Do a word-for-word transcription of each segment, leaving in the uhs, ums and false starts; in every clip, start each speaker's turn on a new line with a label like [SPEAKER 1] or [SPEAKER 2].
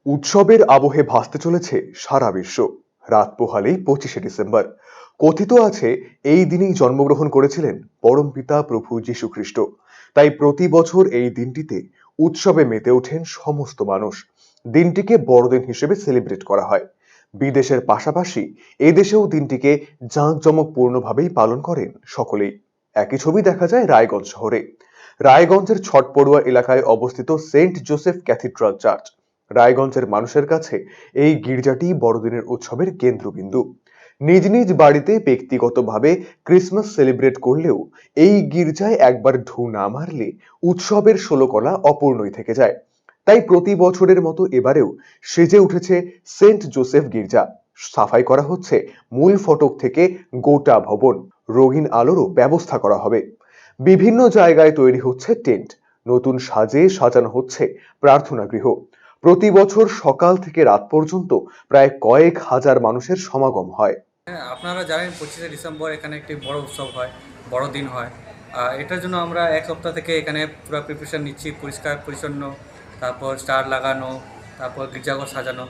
[SPEAKER 1] উৎসবের আবহে ভাসতে চলেছে সারা বিশ্ব। রাত পোহালেই পঁচিশে ডিসেম্বর। কথিত আছে এই দিনেই জন্মগ্রহণ করেছিলেন পরমপিতা প্রভু যীশু খ্রিস্ট। তাই প্রতি বছর এই দিনটিতে উৎসবে মেতে ওঠেন সমস্ত মানুষ। দিনটিকে বড়দিন হিসেবে সেলিব্রেট করা হয়। বিদেশের পাশাপাশি এদেশেও দিনটিকে জাঁকজমকপূর্ণভাবেই পালন করেন সকলেই। একই ছবি দেখা যায় রায়গঞ্জ শহরে। রায়গঞ্জের ছটপড়ুয়া এলাকায় অবস্থিত সেন্ট জোসেফ ক্যাথিড্রাল চার্চ। রায়গঞ্জের মানুষের কাছে এই গির্জাটি বড়দিনের উৎসবের কেন্দ্রবিন্দু। নিজ নিজ বাড়িতে ব্যক্তিগতভাবে ক্রিসমাস সেলিব্রেট করলেও এই গির্জায় একবার ঢু না মারলে উৎসবের ষোলকলা অপূর্ণই থেকে যায়। তাই প্রতি বছরের মতো এবারেও সেজে উঠেছে সেন্ট জোসেফ গির্জা। সাফাই করা হচ্ছে মূল ফটক থেকে গোটা ভবন। রঙিন আলোরও ব্যবস্থা করা হবে। বিভিন্ন জায়গায় তৈরি হচ্ছে টেন্ট। নতুন সাজে সাজানো হচ্ছে প্রার্থনা গৃহ। প্রতি বছর সকাল থেকে রাত পর্যন্ত প্রায় কয়েক হাজার মানুষের সমাগম হয়।
[SPEAKER 2] হ্যাঁ, আপনারা জানেন পঁচিশে ডিসেম্বর এখানে একটি বড় উৎসব হয়, বড়দিন হয়। আর এটার জন্য আমরা এক সপ্তাহ থেকে এখানে পুরো প্রিপারেশন নিচ্ছি, পরিষ্কার পরিচ্ছন্ন, তারপর স্টার লাগানো, তারপর গির্জাঘর সাজানো।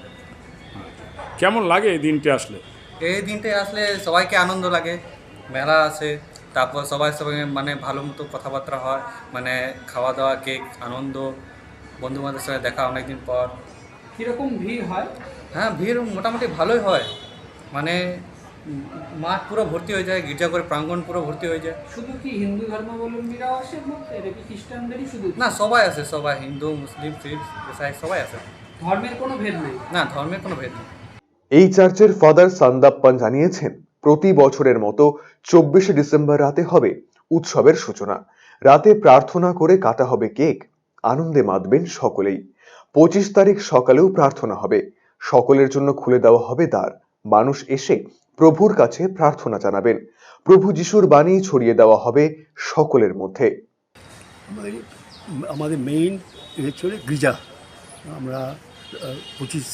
[SPEAKER 3] কেমন লাগে এই দিনটি আসলে?
[SPEAKER 2] এই দিনটায় আসলে সবাইকে আনন্দ লাগে, মেলা আছে, তারপর সবাই সবাই মানে ভালো মতো কথাবার্তা হয়, মানে খাওয়া দাওয়া, কেক, আনন্দ, বন্ধুবান্ধবের সঙ্গে দেখা অনেকদিন পর।
[SPEAKER 4] কীরকম ভিড় হয়?
[SPEAKER 2] হ্যাঁ, ভিড় মোটামুটি ভালোই হয়, মানে উম, মাঠ পুরো ভর্তি হয়ে যায়, গির্জাঘরের প্রাঙ্গণ পুরো ভর্তি হয়ে যায়।
[SPEAKER 4] শুধু কি হিন্দু ধর্মাবলম্বীরাও আসে মধ্যে, নাকি খ্রিস্টানদেরই শুধু?
[SPEAKER 2] না, সবাই আছে, সবাই, হিন্দু, মুসলিম, শিখ, ইসাই সবাই আছে।
[SPEAKER 4] ধর্মের কোনো ভেদ নেই?
[SPEAKER 2] না, ধর্মের কোনো ভেদ নেই।
[SPEAKER 1] এই চার্চের ফাদার সান্দাপ্পান জানিয়েছেন, প্রতি বছরের মতো চব্বিশে ডিসেম্বর রাতে হবে উৎসবের সূচনা। রাতে প্রার্থনা করে কাটা হবে কেক। আনন্দে মাতবেন সকলেই। পঁচিশ তারিখ সকালেও প্রার্থনা হবে। সকলের জন্য খুলে দেওয়া হবে দ্বার। মানুষ এসে প্রভুর কাছে প্রার্থনা জানাবেন। প্রভু যিশুর বাণী ছড়িয়ে দেওয়া হবে সকলের মধ্যে।
[SPEAKER 5] আমাদের আমাদের মেইন হচ্ছে গির্জা। আমরা পঁচিশ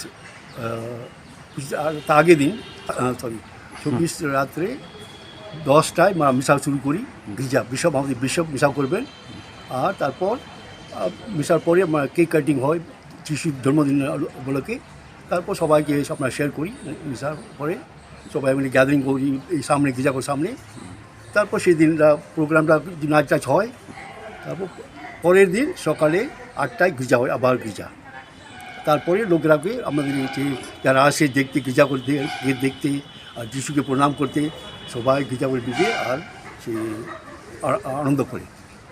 [SPEAKER 5] পঁচিশ তার আগের দিন সরি চব্বিশ রাত্রে দশটায় মিশা শুরু করি। গির্জা বিশপ আমাদের বিশপ মিশা করবেন, আর তারপর মিশার পরে কেক কাটিং হয় যিশুর জন্মদিন উপলক্ষে। তারপর সবাইকে আমরা শেয়ার করি। মিশার পরে সবাই মিলে গ্যাদারিং করি এই সামনে গির্জাঘর সামনে। তারপর সেই দিনটা প্রোগ্রামটা নাচ টাচ হয়। তারপর পরের দিন সকালে আটটায় গির্জা হয়, আবার গির্জা। তারপরে লোকরাকে আমাদের যে যারা আসে দেখতে, গির্জা করতে দেখতে আর যিশুকে প্রণাম করতে, সবাই গির্জা করে ঢুকে আর সে আনন্দ করে।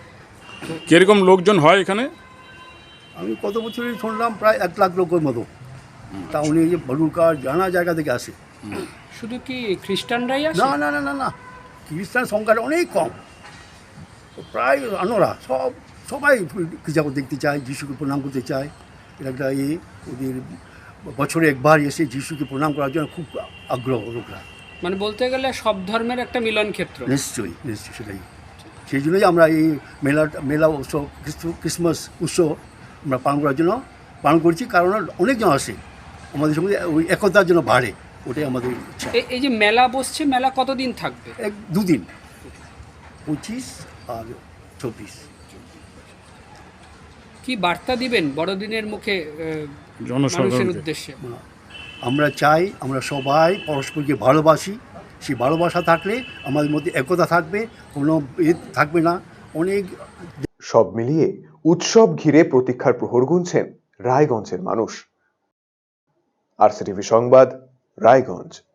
[SPEAKER 3] কীরকম লোকজন হয় এখানে?
[SPEAKER 5] আমি কত বছরে শুনলাম প্রায় এক লাখ লোকের মতো। টাউনে যে ভলুকার জানা জায়গা থেকে আসে।
[SPEAKER 4] শুধু কি খ্রিস্টানরাই আসে?
[SPEAKER 5] না না না না না খ্রিস্টান সংখ্যাটা অনেক কম। প্রায় অন্যরা সব সবাই গির্জা দেখতে চায়, যিশুকে প্রণাম করতে চায়। এটা একটা ইয়ে, ওদের বছরে একবার এসে যিশুকে প্রণাম করার জন্য খুব আগ্রহ লোকরা।
[SPEAKER 4] মানে বলতে গেলে সব ধর্মের একটা মিলন ক্ষেত্র।
[SPEAKER 5] নিশ্চয়ই নিশ্চয়ই সেটাই। সেই জন্যই আমরা এই মেলা মেলা উৎসব ক্রিসমাস উৎসব আমরা পালন করার জন্য পালন করছি, কারণ অনেকজন আসে আমাদের সঙ্গে, ওই একতার জন্য বাড়ে, ওটাই আমাদের ইচ্ছা।
[SPEAKER 4] এই যে মেলা বসছে, মেলা কতদিন থাকবে?
[SPEAKER 5] এক দুদিন, পঁচিশ আর চব্বিশ।
[SPEAKER 4] কি বার্তা দিবেন বড়দিনের মুখে মানুষের উদ্দেশ্যে?
[SPEAKER 5] আমরা চাই আমরা সবাই পরস্পরকে ভালোবাসি। সেই ভালোবাসা থাকলে আমাদের মধ্যে একতা থাকবে, কোনো ভেদ থাকবে না। অনেক
[SPEAKER 1] সব মিলিয়ে উৎসব ঘিরে প্রতীক্ষার প্রহর গুনছেন রায়গঞ্জের মানুষ। আরসিটিভি সংবাদ, রায়গঞ্জ।